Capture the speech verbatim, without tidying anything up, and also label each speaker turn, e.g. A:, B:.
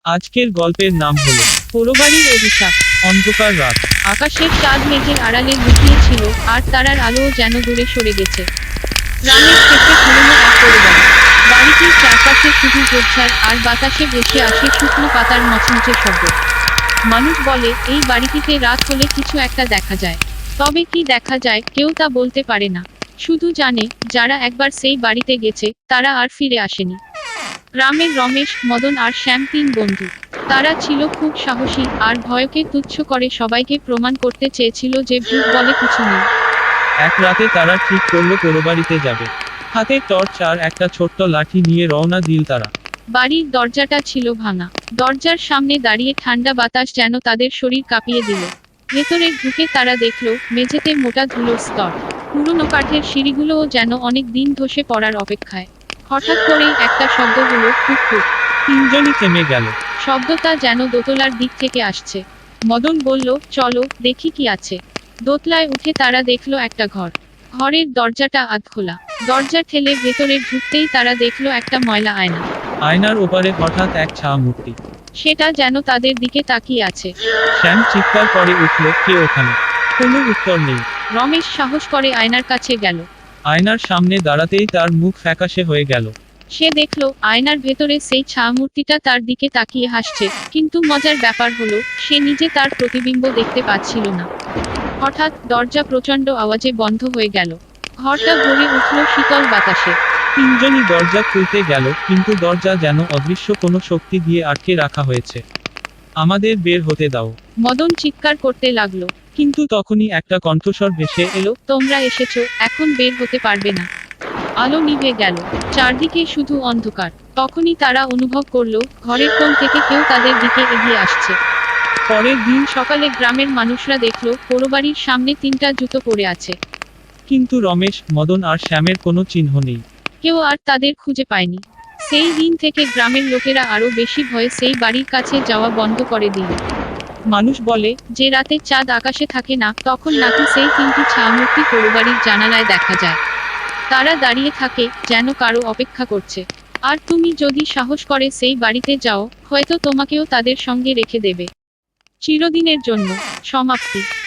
A: আজকের গল্পের নাম হলো
B: পোড়োবাড়ির অভিশাপ।
A: অন্ধকার রাত।
B: আকাশের চাঁদ মেঘের আড়ালে লুকিয়ে ছিল, আর তারার আলোও যেন দূরে সরে গেছে। গ্রামের শেষে পুরনো এক পোড়োবাড়ি। বাড়িটির চারপাশে শুধু ঝোপঝাড়, আর বাতাসে ভেসে আসে শুকনো পাতার মচমচে শব্দ। মানুষ বলে এই বাড়িটিতে রাত হলে কিছু একটা দেখা যায়। তবে কি দেখা যায় কেউ তা বলতে পারে না। শুধু জানে যারা একবার সেই বাড়িতে গেছে তারা আর ফিরে আসেনি। গ্রামের রমেশ, মদন আর শ্যাম তিন বন্ধু। তারা ছিল খুব সাহসী, আর ভয়কে তুচ্ছ করে সবাইকে প্রমাণ করতে চেয়েছিল যে ভূত বলে কিছু নেই।
A: এক রাতে তারা ঠিক করলো পোড়োবাড়িতে যাবে। হাতে টর্চ আর একটা ছোট্ট লাঠি নিয়ে রওনা দিল তারা।
B: বাড়ির দরজাটা ছিল ভাঙা। দরজার সামনে দাঁড়িয়ে ঠান্ডা বাতাস যেন তাদের শরীর কাঁপিয়ে দিল। ভেতরে ঢুকে তারা দেখল মেঝেতে মোটা ধুলোর স্তর। পুরনো কাঠের সিঁড়িগুলোও যেন অনেক দিন ধসে পড়ার অপেক্ষায়। হঠাৎ করেই একটা শব্দ হলো, টুক টুক।
A: তিনজনই থেমে গেল।
B: শব্দটা যেন দোতলার দিক থেকে আসছে। মদন বলল, চলো দেখি কি আছে। দোতলায় উঠে তারা দেখল একটা ঘর। ঘরের দরজাটা আধখোলা। দরজা ঠেলে ভেতরে ঢুকতেই তারা দেখল একটা ময়লা আয়না।
A: আয়নার ওপারে হঠাৎ এক ছায়া মূর্তি।
B: সেটা যেন তাদের দিকে তাকিয়ে আছে।
A: শ্যাম চিৎকার করে উঠল, কে ওখানে? কোনো উত্তর নেই।
B: রমেশ সাহস করে আয়নার কাছে গেল।
A: আয়নার সামনে দাঁড়াতেই তার মুখ ফ্যাকাশে হয়ে গেল।
B: সে দেখল আয়নার ভেতরে সেই ছায়ামূর্তিটা তার দিকে তাকিয়ে হাসছে, কিন্তু মজার ব্যাপার হলো সে নিজে তার প্রতিবিম্ব দেখতে পাচ্ছিল না। হঠাৎ দরজা প্রচণ্ড আওয়াজে বন্ধ হয়ে গেল। ঘরটা ভরে উঠল শীতল বাতাসে।
A: তিনজনই দরজা খুলতে গেল, কিন্তু দরজা যেন অদৃশ্য কোনো শক্তি দিয়ে আটকে রাখা হয়েছে। আমাদের বের হতে দাও।
B: মদন চিৎকার করতে লাগলো।
A: কিন্তু তখনই একটা কণ্ঠস্বর ভেসে এলো,
B: এলো, তোমরা এসেছো, এখন বের হতে পারবে না। আলো নিভে গেল। চারদিকে শুধু অন্ধকার। তখনই তারা অনুভব করলো ঘরের কোণ থেকে কেউ তাদের দিকে এগিয়ে আসছে।
A: পরের দিন
B: সকালে গ্রামের মানুষরা দেখলো পোড়োবাড়ির সামনে তিনটা জুতো পড়ে আছে।
A: কিন্তু রমেশ, মদন আর শ্যামের কোনো চিহ্ন নেই।
B: কেউ আর তাদের খুঁজে পায়নি। সেই দিন থেকে গ্রামের লোকেরা আরো বেশি ভয়ে সেই বাড়ির কাছে যাওয়া বন্ধ করে দিল।
A: মানুষ বলে
B: যে রাতে চাঁদ আকাশে থাকে না, তখন নাকি সেই তিনটি ছায়ামূর্তি পোড়োবাড়ির জানালায় দেখা যায়। তারা দাঁড়িয়ে থাকে, যেন কারো অপেক্ষা করছে। আর তুমি যদি সাহস করে সেই বাড়িতে যাও, হয়তো তোমাকেও তাদের সঙ্গে রেখে দেবে। চিরদিনের জন্য। সমাপ্তি।